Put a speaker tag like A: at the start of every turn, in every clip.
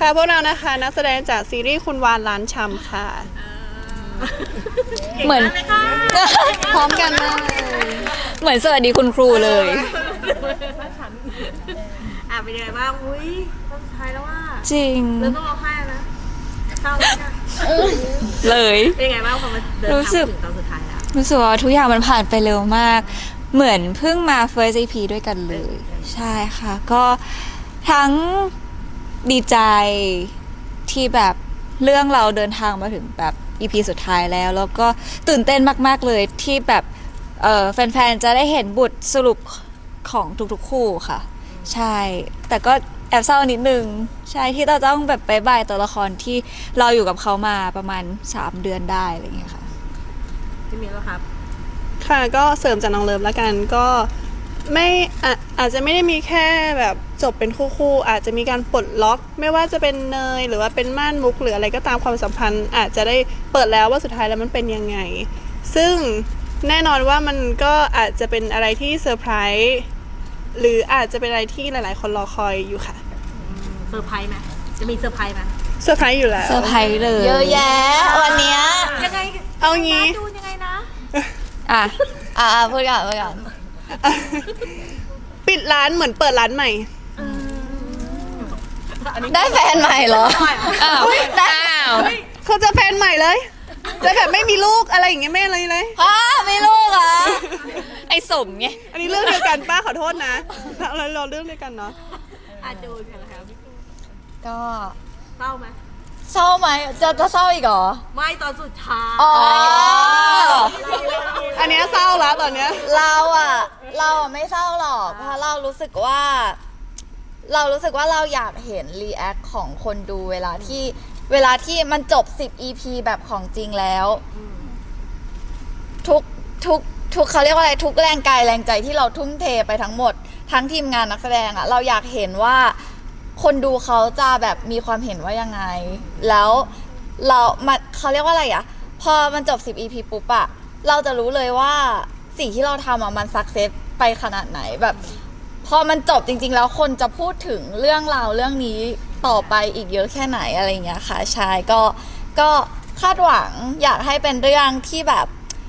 A: ค่ะพวกเรานะคะนักแสดงจากซีรีส์คุณวานล้านชำค่ะ
B: เหมือน
A: พร้อมกันมาก
B: เหมือนสวัสดีคุณครูเลย
C: เป็นยังไงบ้างอุ้ยตอนสุดท้ายแล้วว่า
B: จริง
C: เริ่มต้องร้องไห้นะเศร้าแล้วนะ
B: เลย
C: เป็นยังไงบ้างพอมาเดินทางถึงตอนสุดท้ายแล้ว
B: รู้สึกว่าทุกอย่างมันผ่านไปเร็วมาก เหมือนเพิ่งมา first EP ด้วยกันเลย ใช่ค่ะ ก็ทั้งดีใจที่แบบเรื่องเราเดินทางมาถึงแบบ EP สุดท้ายแล้ว แล้วก็ตื่นเต้นมากๆเลยที่แบบแฟนๆจะได้เห็นบทสรุปของทุกๆคู่ค่ะ ใช่ แต่ก็แอบเศร้านิดนึง ใช่ที่เราต้องแบบไปบายตัวละครที่เราอยู่กับเขามาประมาณ3 เดือนได้อะไรอย่างเงี้ยค่ะ
C: พี่มิ้นครับ
A: ค่ะก็เสริมจากน้องเลิฟละกันก็ไม่อาจจะไม่ได้มีแค่แบบจบเป็นคู่ๆอาจจะมีการปลดล็อกไม่ว่าจะเป็นเนยหรือว่าเป็นม่านมุกหรืออะไรก็ตามความสัมพันธ์อาจจะได้เปิดแล้วว่าสุดท้ายแล้วมันเป็นยังไงซึ่งแน่นอนว่ามันก็อาจจะเป็นอะไรที่เซอร์ไพรส์หรืออาจจะเป็นอะไรที่หลายๆคนรอคอยอยู่ค่ะ
C: เซอร์ไพรส์ไหมจะมีเซอร์ไพรส์ไหม
A: เซอร์ไพรส์อยู่แล้ว
B: เซอร์ไพรส์เลยเยอะแยะวันเนี้ย
C: ยังไง
A: เอางี้
C: ดูยังไงนะ
B: พูดก่อน
A: ปิดร้านเหมือนเปิดร้านใหม่
B: ได้แฟนใหม่เหรอได้
A: เขาจะแฟนใหม่เลยจะแบบไม่มีลูกอะไรอย่างเงี้ยไม่อะไรเลย
B: ไม่ลูกอ่ะไอ้สมไง
A: อันนี้เรื่องเดียวกันป้าขอโทษนะเราเรื่องเดียวกันเนาะ
C: จูนกันนะคะพี่
B: ก็
C: เศร้าไหม
B: เศร้าไหมจะเศร้าอีกเหรอ
C: ไม่ตอนสุดท้าย
A: อันนี้เศร้าแล้วตอนเนี้ย
B: เราไม่เศร้าหรอกเพราะเรารู้สึกว่าเราอยากเห็นรีแอคของคนดูเวลาที่มันจบ10 EP แบบของจริงแล้วทุกเขาเรียกว่าอะไรทุกแรงกายแรงใจที่เราทุ่มเทไปทั้งหมดทั้งทีมงานนักแสดงอะเราอยากเห็นว่าคนดูเขาจะแบบมีความเห็นว่ายังไงแล้วเขาเรียกว่าอะไรอะพอมันจบ10 EP ปุ๊บอะเราจะรู้เลยว่าสิ่งที่เราทำอะมันสักเซสไปขนาดไหนแบบพอมันจบจริงๆแล้วคนจะพูดถึงเรื่องราวเรื่องนี้ต่อไปอีกเยอะแค่ไหนอะไรเงี้ยค่ะใช่ก็คาดหวังอยากให้เป็นเรื่องที่แบบ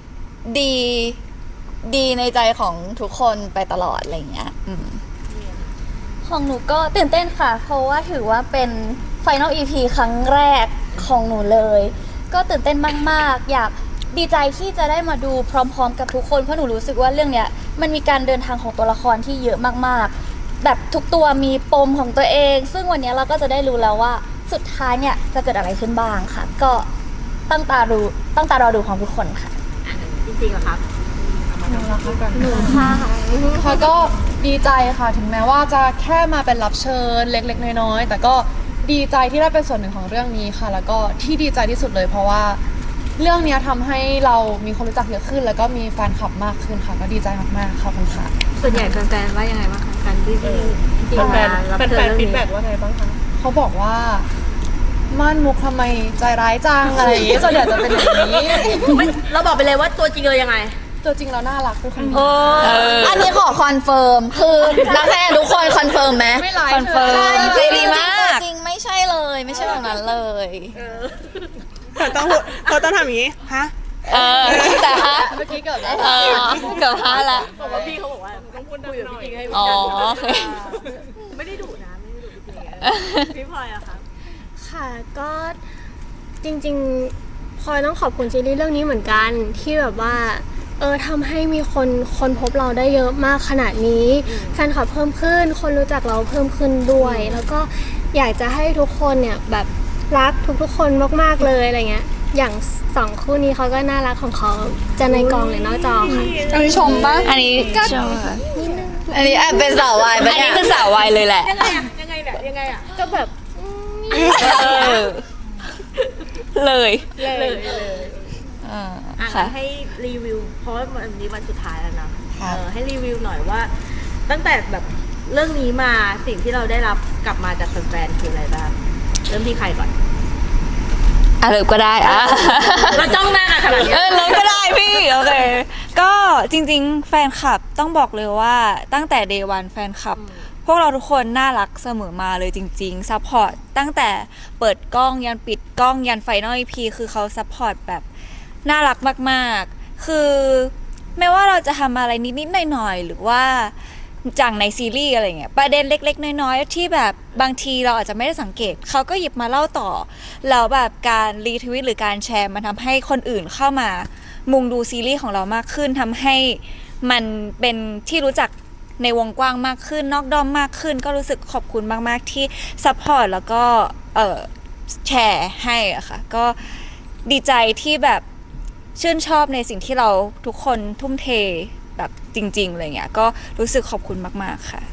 B: ดีในใจของทุกคนไปตลอดอะไรเงี้ย
D: ของหนูก็ตื่นเต้นค่ะเพราะว่าถือว่าเป็น Final EP ครั้งแรกของหนูเลยก็ตื่นเต้นมากๆอยากดีใจที่จะได้มาดูพร้อมๆกับทุกคนเพราะหนูรู้สึกว่าเรื่องเนี้ยมันมีการเดินทางของตัวละครที่เยอะมากๆแบบทุกตัวมีปมของตัวเองซึ่งวันนี้เราก็จะได้รู้แล้วว่าสุดท้ายเนี่ยจะเกิดอะไรขึ้นบ้างค่ะก็ตั้งตารอดูของทุกคนค่ะ
C: จริงๆเหรอครับ
D: หนูค่ะ
E: ค่ะก็ดีใจค่ะถึงแม้ว่าจะแค่มาเป็นรับเชิญเล็กๆน้อยๆแต่ก็ดีใจที่ได้เป็นส่วนหนึ่งของเรื่องนี้ค่ะแล้วก็ที่ดีใจที่สุดเลยเพราะว่าเรื่องนี้ทำให้เรามีคนรู้จักเยอะขึ้นแล้วก็มีแฟนคลับมากขึ้นค่ะก็ดีใจมากๆขอบคุณค่ะ
C: ส่วนใหญ่แฟนๆว่ายังไงบ้างคะการที่
E: แฟนฟีดแบ็กว่าไงบ้างคะเขาบอกว่าม่านมุกทำไมใจร้ายจังอะไรอย่างงี้ส่วนใหญ่จะเป็นอย่างนี้
C: เราบอกไปเลยว่าตัวจริงเลยยังไง
E: ตัวจริงเราน่ารักทุกคน
B: อันนี้ขอคอนเฟิร์มคือนักแสดงทุกคนคอนเฟิร์มไหมคอนเฟิร์มใจดีมากจริงไม่ใช่เลยไม่ใช่แบบนั้นเลย
A: เขาต้องทำอย่างนี้ฮะ
B: แต่ฮะ
E: เมื่อกี้เกิด
B: เกือบฮะละ
C: บอกว่าพี่เขาบอกว่าต้องพูดคุยกับพี่จริงให้ไม่ได้ดุนะไม่ได้ดุจริงพี่พลอยอะคะ
D: ค่ะก็จริงๆพลอยต้องขอบคุณซีรีส์เรื่องนี้เหมือนกันที่แบบว่าทำให้มีคนพบเราได้เยอะมากขนาดนี้แฟนคลับเพิ่มขึ้นคนรู้จักเราเพิ่มขึ้นด้วยแล้วก็อยากจะให้ทุกคนเนี่ยแบบรักทุกๆคนมากๆเลยอะไรเงี้ยอย่าง2คู่นี้เขาก็น่ารักของเขาจะในกองหรือนอกจอค่ะ
A: อันนี้ชมป่ะ
B: อันนี้ชมอันนี้เป็นสาววายอันนี้คือสาววายเลยแหละ
C: ยังไงอะ
D: ก็แบบ
B: เลย
C: ให้รีวิวเพราะว่าวันนี้วันสุดท้ายแล้วนะให้รีวิวหน่อยว่าตั้งแต่แบบเรื่องนี้มาสิ่งที่เราได้รับกลับมาจากแฟนๆคืออะไรบ้างเริ่มที่ใครก่อน
F: เลิฟก็ได้
C: เราจ้องหน้ากันขนาดนี้
F: เลิฟก็ได้พี่โอเคก็จริงๆแฟนคลับต้องบอกเลยว่าตั้งแต่ day one แฟนคลับพวกเราทุกคนน่ารักเสมอมาเลยจริงๆซัพพอร์ตตั้งแต่เปิดกล้องยันปิดกล้องยันไฟนอล EP คือเขาซัพพอร์ตแบบน่ารักมากๆคือไม่ว่าเราจะทำอะไรนิดๆหน่อยๆหรือว่าจังในซีรีส์อะไรเงี้ยประเด็นเล็กๆน้อยๆที่แบบบางทีเราอาจจะไม่ได้สังเกตเขาก็หยิบมาเล่าต่อแล้วแบบการรีทวิตหรือการแชร์มันทำให้คนอื่นเข้ามามุงดูซีรีส์ของเรามากขึ้นทำให้มันเป็นที่รู้จักในวงกว้างมากขึ้นนอกด้อมมากขึ้นก็รู้สึกขอบคุณมากๆที่ซัพพอร์ตแล้วก็แชร์ให้อะค่ะก็ดีใจที่แบบชื่นชอบในสิ่งที่เราทุกคนทุ่มเทแบบจริงๆอะไรเงี้ยก็รู้สึกขอบคุณมากๆค่ะ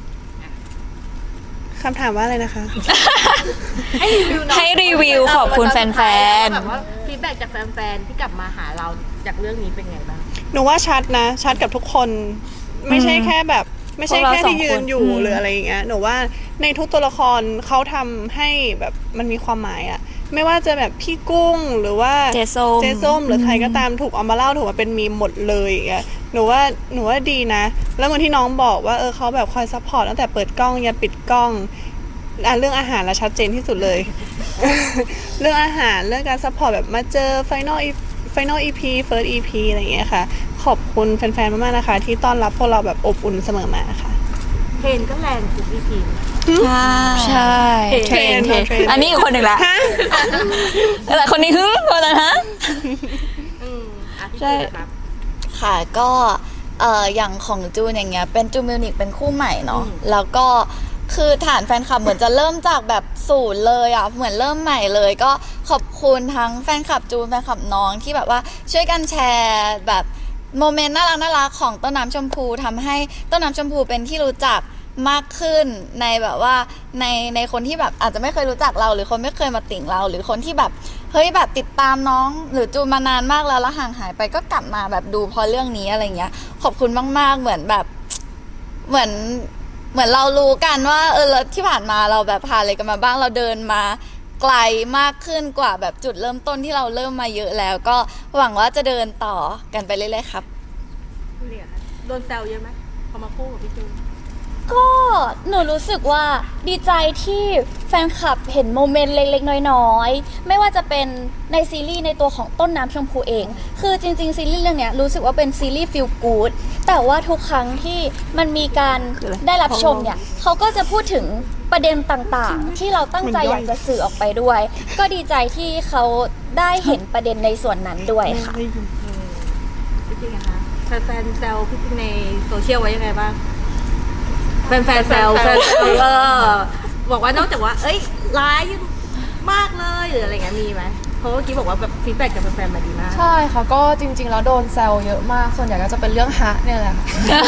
A: คำถามว่าอะไรนะคะ
C: ให้รีวิวหน่อย
F: ให้รีวิวขอบคุณแฟนๆ
C: แบบว่าฟีดแบ็กจากแฟนๆที่กลับมาหาเราจากเรื่องนี้เป็นไงบ้าง
A: หนูว่าชัดนะชัดกับทุกคนไม่ใช่แค่แบบไม่ใช่แค่ที่ยืนอยู่
F: พวกเราสองคน
A: หรืออะไรอย่างเงี้ยหนูว่าในทุกตัวละครเขาทำให้แบบมันมีความหมายอะไม่ว่าจะแบบพี่กุ้งหรือว่า
F: เจส้ม
A: หรือใครก็ตามถูกเอามาเล่าถูกมาเป็นมีมหมดเลยอย่างเงี้ยหนูว่าดีนะ แล้วเหมือนที่น้องบอกว่าเขาแบบคอยซัพพอร์ตตั้งแต่เปิดกล้องยันปิดกล้องเรื่องอาหารละชัดเจนที่สุดเลย เรื่องอาหารเรื่องการซัพพอร์ตแบบมาเจอFinal EP First EP อะไรอย่างเงี้ยค่ะขอบคุณแฟนๆมากๆนะคะที่ต้อนรับพวกเราแบบอบอุ่นเสมอมาค่ะ
C: เพนก็แรงทุก EP
F: ใช่เทรนอันนี้อีกคนหนึ่งละแต่คนนี้คนนั้นฮะ
C: พี่
F: ใช่
C: จูนครับ
B: ค่ะก็อย่างของจูนอย่างเงี้ยเป็นจูนมิวนิกเป็นคู่ใหม่เนาะแล้วก็คือฐานแฟนคลับเหมือนจะเริ่มจากแบบศูนย์เลยอ่ะเหมือนเริ่มใหม่เลยก็ขอบคุณทั้งแฟนคลับจูนแฟนคลับน้องที่แบบว่าช่วยกันแชร์แบบโมเมนต์น่ารักของต้นน้ำชมพูทำให้ต้นน้ำชมพูเป็นที่รู้จักมากขึ้นในแบบว่าในคนที่แบบอาจจะไม่เคยรู้จักเราหรือคนไม่เคยมาติ่งเราหรือคนที่แบบเฮ้ยแบบติดตามน้องหรือจูนมานานมากแล้วห่างหายไปก็กลับมาแบบดูเพราะเรื่องนี้อะไรเงี้ยขอบคุณมากๆเหมือนแบบเหมือนเรารู้กันว่าแล้วที่ผ่านมาเราแบบผ่านอะไรกันมาบ้างเราเดินมาไกลมากขึ้นกว่าแบบจุดเริ่มต้นที่เราเริ่มมาเยอะแล้วก็หวังว่าจะเดินต่อกันไปเรื่อยๆครับ
C: เนี่ยโดนแซวเยอะไหมพอมาคู่กับพี่จูน
D: ก็หนูรู้สึกว่าดีใจที่แฟนคลับเห็นโมเมนต์เล็กๆน้อยๆไม่ว่าจะเป็นในซีรีส์ในตัวของต้นน้ำชมพูเองคือจริงๆซีรีส์เรื่องเนี้ยรู้สึกว่าเป็นซีรีส์ฟีลกู๊ดแต่ว่าทุกครั้งที่มันมีการได้รับชมเนี่ยเขาก็จะพูดถึงประเด็นต่างๆ ที่เราตั้งใจอยากจะสื่อออกไปด้วย ก็ดีใจที่เขาได้เห็นประเด็นในส่วนนั้นด้วยค่ะ
C: พี่จริงอะคะแฟนๆแซวพี่จริงในโซเชียลไว้ยังไงบ้างแฟนๆแซวบอกว่านอกจากว่าเอ้ยร้ายมากเลยหรืออะไรเงี้ยมีไหมเพราะเมื่อกี้บอกว่าแบบฟีดแบ็กจากแฟนๆมาดีมาก
E: ใช่ค่ะก็จริงๆแล้วโดนแซวเยอะมากส่วนใหญ่ก็จะเป็นเรื่องฮะเนี่ยแหละค่ะ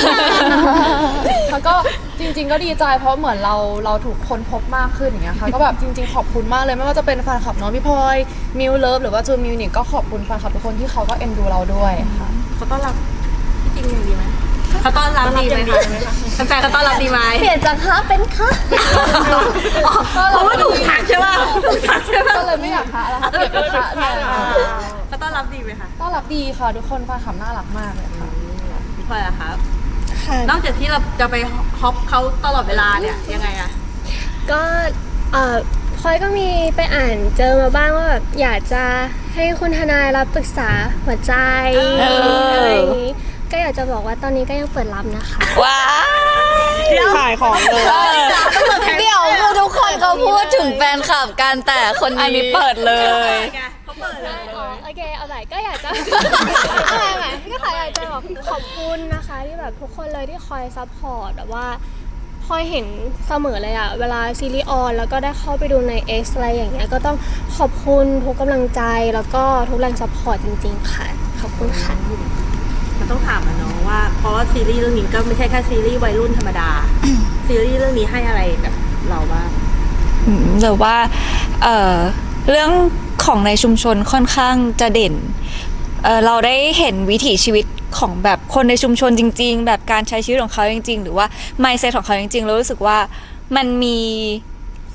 E: แล้วก็จริงๆก็ดีใจเพราะเหมือนเราถูกค้นพบมากขึ้นอย่างเงี้ยค่ะก็แบบจริงๆขอบคุณมากเลยไม่ว่าจะเป็นแฟนคลับน้องพี่พลอยมิวเลิฟหรือว่าจูนมิวนิกก็ขอบคุณแฟนคลับทุกคนที่เขาก็เอ็นดูเราด้วยค่ะ
C: เขาต้อนรับพี่จริงอย่างดีไหมเขาต้อนรับดีไหมคะแฟนๆเขาต้อนรับดีไหม
D: เปลี่ยนจากคะเป็นคะ
C: เพราะว่าถูกทักใช่ป่ะถูกทักใช่ป่ะ
E: ก็เลยไม่อยากฮะแล้วค่ะเปลี่ยนเป็นฮะแทนค่ะ
C: เขาต้อนรับดีไหมคะ
E: ต้อนรับดีค่ะทุกคนแฟนคลับน่ารักมากเลยค่ะ
C: พี่พลอยอะครับ
A: ค่ะ
C: นอกจากที่เราจะไปฮอปเขาตลอดเวลาเนี่ยยังไงอะ
G: ก็พลอยก็มีไปอ่านเจอมาบ้างว่าแบบอยากจะให้คุณทนายรับปรึกษาหัวใจอะไรอย่างนี้ก็อยากจะบอกว่าตอนนี้ก็ยังเปิดรับนะคะ
F: ว้าย
A: ขายของเลย
B: เดี๋ยวคือทุกคนเขาพูดถึงแฟนคลับกันแต่คน
F: อัน
B: นี้
F: นี้เปิดเลย
C: เขาเปิดเลย
G: โอเคเอาใหม่ก็อยากจะ เอาใหม่ก็ค่ะอยากจะบอกขอบคุณนะคะที่แบบทุกคนเลยที่คอยซัพพอร์ตแบบว่าพลอยเห็นเสมอเลยอะเวลาซีรีส์ออนแล้วก็ได้เข้าไปดูใน X อะไรอย่างเงี้ยก็ต้องขอบคุณทุกกำลังใจแล้วก็ทุกแรงซัพพอร์ตจริงๆค่ะขอบคุณค่ะ
C: มันต้องถามอะเนาะว่าเพราะว่าซีรีส์เรื่องนี้ก็ไม่ใช่แค่ซีรีส์วัยรุ่นธรรมดา ซีรีส์เรื่องนี้ให้อะไรกับเราบ้าง
F: หรือว่าเรื่องของในชุมชนค่อนข้างจะเด่นเราได้เห็นวิถีชีวิตของแบบคนในชุมชนจริงๆแบบการใช้ชีวิตของเขาจริงๆหรือว่า mindset ของเขาจริงๆเรารู้สึกว่ามันมี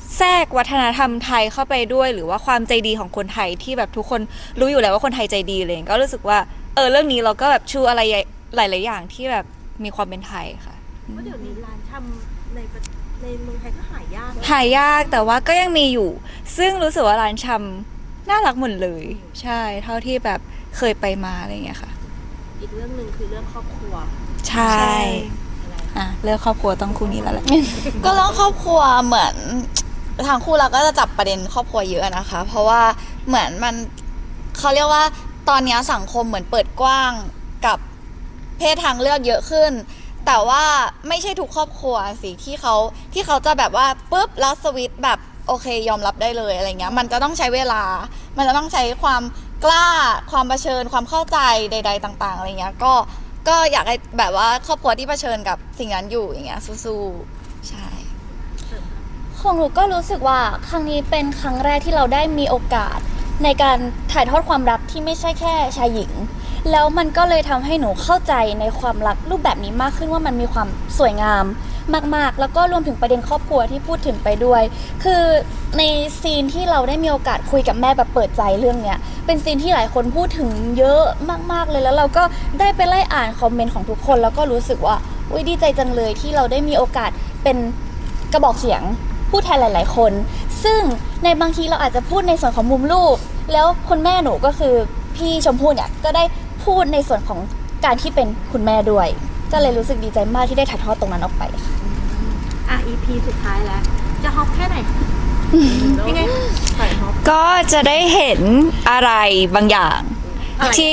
F: แทรกวัฒนธรรมไทยเข้าไปด้วย หรือว่าความใจดีของคนไทยที่แบบทุกคนรู้อยู่แล้วว่าคนไทยใจดีเลยก็รู้สึกว่าเรื่องนี้เราก็แบบชูอะไรหลายๆอย่างที่แบบมีความเป็นไทยค่ะ
C: เพราะเดี๋ยวนี้ร้านชำในเมืองไทยก็หายากนะ
F: หายากแต่ว่าก็ยังมีอยู่ ซึ่งรู้สึกว่าร้านชำน่ารักหมดเลย ใช่เท่าที่แบบเคยไปมาอะไรอย่างเงี้ยค่ะ
C: อีกเรื่องหนึ่งคือเรื่องครอบครัว
F: ใช่เรื่องครอบครัวต้องคู่นี้แล้วแหละ
B: ก็เรื่องครอบครัวเหมือนทางคู่เราก็จะจับประเด็นครอบครัวเยอะนะคะ เพราะว่าเหมือนมันเขาเรียกว่าตอนนี้สังคมเหมือนเปิดกว้างกับเพศทางเลือกเยอะขึ้น แต่ว่าไม่ใช่ทุกครอบครัวสิที่เขาจะแบบว่าปุ๊บแล้วสวิตช์แบบโอเคยอมรับได้เลยอะไรเงี้ยมันจะต้องใช้เวลา มันจะต้องใช้ความกล้าความเผชิญความเข้าใจใด ๆ ต่าง ๆอะไรเงี้ยก็อยากให้แบบว่าครอบครัวที่เผชิญกับสิ่งนั้นอยู่อย่างเงี้ยสู้ๆใช่
D: ของหนูก็รู้สึกว่าครั้งนี้เป็นครั้งแรกที่เราได้มีโอกาสในการถ่ายทอดความรักที่ไม่ใช่แค่ชายหญิง แล้วมันก็เลยทำให้หนูเข้าใจในความรักรูปแบบนี้มากขึ้นว่ามันมีความสวยงามมากๆ แล้วก็รวมถึงประเด็นครอบครัวที่พูดถึงไปด้วย คือในซีนที่เราได้มีโอกาสคุยกับแม่แบบเปิดใจเรื่องเนี้ยเป็นซีนที่หลายคนพูดถึงเยอะมากๆเลยแล้วเราก็ได้ไปไล่อ่านคอมเมนต์ของทุกคนแล้วก็รู้สึกว่าอุ๊ยดีใจจังเลยที่เราได้มีโอกาสเป็นกระบอกเสียงพูดแทนหลาย ๆ คน ซึ่งในบางทีเราอาจจะพูดในส่วนของมุมลูก แล้วคุณแม่หนูก็คือพี่ชมพู่เนี่ยก็ได้พูดในส่วนของการที่เป็นคุณแม่ด้วย ก็เลยรู้สึกดีใจมากที่ได้ถ่ายทอดตรงนั้นออกไปค่ะ
C: EP สุดท้ายแล้ว จะฮอปแค่ไหนยังไงใส่ฮอป
F: ก็จะได้เห็นอะไรบางอย่างที่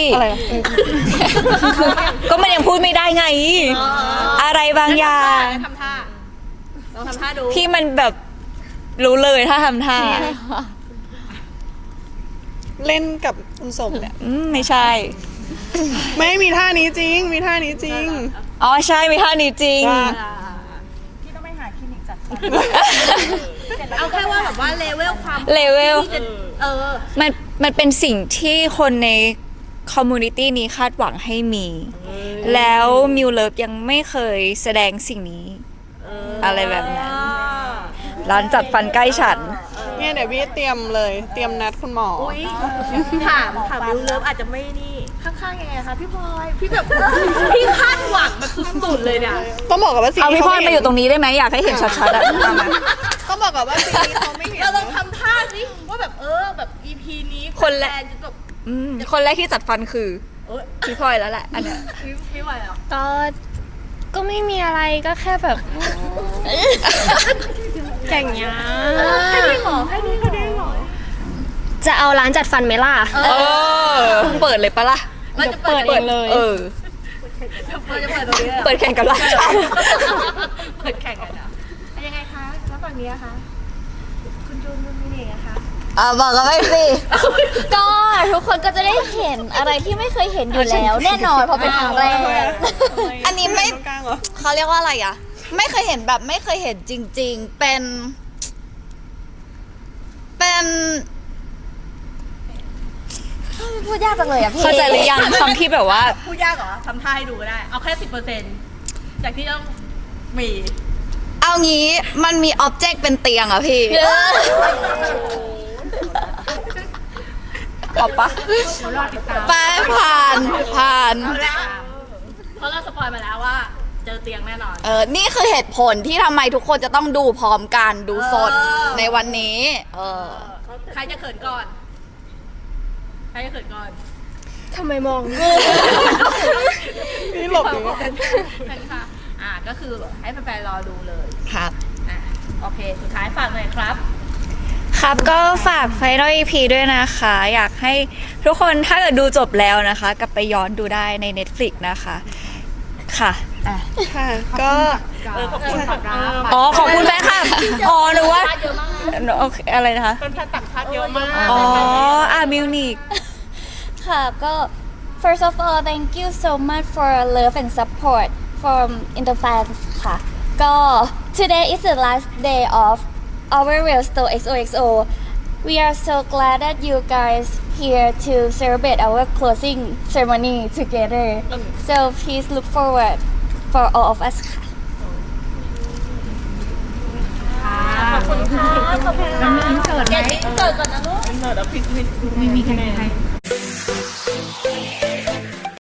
F: ก็มันยังพูดไม่ได้ไง อะไรบางอย่าง
C: ทำท่าลองทำท่าดู
F: ที่มันแบบรู้เลยถ้าทำท่า
A: เล่นกับคุณสมเนี่ย
F: ไม่ใช่
A: ไม่มีท่านี้จริง มีท่านี้จริง
F: อ๋อใช่มีท่านี้จริง
A: ว่า
C: พี่ต้องไปหาคลินิกจัดฟันเอาแค่ว่าแบบว่าเลเวลความ
F: เลเวล
C: ที่จะ
F: มันเป็นสิ่งที่คนในคอมมูนิตี้นี้คาดหวังให้มี แล้วมิวเลิฟยังไม่เคยแสดงสิ่งนี้ อะไรแบบนั้น ร้านจัดฟันใกล้ฉัน
A: เนี่ยเดี๋ยวพี่เตรียมเลย เตรียมนัดคุณหมอ
C: อุ้ยถามมิวเลิฟอาจจะไม่นี่ข้างๆยังไงคะพี่พลอยพี่แบบพี่คาดหวังแบบสุดๆเลยเนี่ย
A: ต้องบอกกับว่าสิ่ง
F: เอา
A: ที่
F: พี่พลอย
A: เข
F: มาอยู่ตรงนี้ได้ไหมอยากให้เห็นชัดๆอะเอามา
A: ต้องบอกกับว่าสิ่งนี้เขาไม่เห็น
C: เราลองทำท่าสิว่าแบบแบบ EP นี้
F: คนละ
C: ฟจะแบบ
F: คนแรกที่จัดฟันคือ
C: เอ้ย
F: พี่พลอยแล้วแหละอันเนี้ย
C: พี่ไหวเหรอ
G: ก็ไม่มีอะไรก็แค่แบบอย่างเงี้ย
C: ให้ดูหมอให้ดูเขาได้หมอ
G: จะเอาร้านจัดฟันไหมล่ะ
F: เปิดเลยปะล่ะ
C: เราจะเปิดเองเลย เราจะเปิดตรงนี้เลยเหรอ
F: เปิดแข่งกับร้านช
C: เปิดแข่งกันเหรอยังไงคะแล้วฝั่งนี้อะคะคุณจูนคุณมินเองอะคะ
B: บอกกันไปสิ
D: ก็ทุกคนก็จะได้เห็นอะไรที่ไม่เคยเห็นอยู่แล้ว แน่นอนเพราะเป็นครั้งแรก
B: อันนี้ไม่
A: ตรงกลางเหรอ
B: เขาเรียกว่าอะไรอ่ะ ไม่เคยเห็นแบบไม่เคยเห็นจริง ๆ เป็นพูดยากจังเลยอ่ะพี่
F: เข้าใจหรือยังคำที่แบบว่า
C: พูดยากเหรอทำท่าให้ดูก็ได้ เอาแค่ 10%จากที่ต้องมี
B: เอางี้มันมีอ็อบเจกต์เป็นเตียงอ่ะพี่
F: ตอบปะ
C: รอติดตาม
B: ไปผ่าน
C: เพราะเราสปอยมาแล้วว่า เจอเตียงแน่นอน
B: นี่คือเหตุผลที่ทำไมทุกคนจะต้องดูพร้อมกันดูสดในวันนี้
C: ใครจะเขินก่อน ใครจะเขินก่อน
G: ทำไมมอง
A: นี่หลบอยู่
C: ใช่ค่ะ ก็คือให้แฟนๆรอดูเลย
B: ครับ
C: โอเค สุดท้ายฝากหน่อยครับ
F: ครับก็ฝาก Final EP ด้วยนะคะ อยากให้ทุกคนถ้าเกิดดูจบแล้วนะคะ กลับไปย้อนดูได้ใน Netflix นะคะค่ะ
A: ค่ะ ก็
C: ขอบคุณครับ
F: อ๋อขอบคุณแฟนคลับอ๋อหรือว่าโอเคอะไรนะคะ
C: เป็นแฟนต่างชาติเยอะมาก
F: อ๋อมิวนิก
D: ค่ะก็ first of all thank you so much for love and support from Interfans ค่ะก็ today is the last day of our real store XOXO we are so glad that you guys here to celebrate our closing ceremony together so please look forward for all of us ค่ะ
C: คุณค่ะขอบคุณค่ะอินเสิร์ตไหมอินเสิร์ตก่อนนะลูกอินเสิร์ตแล้วพี่มีคะแนน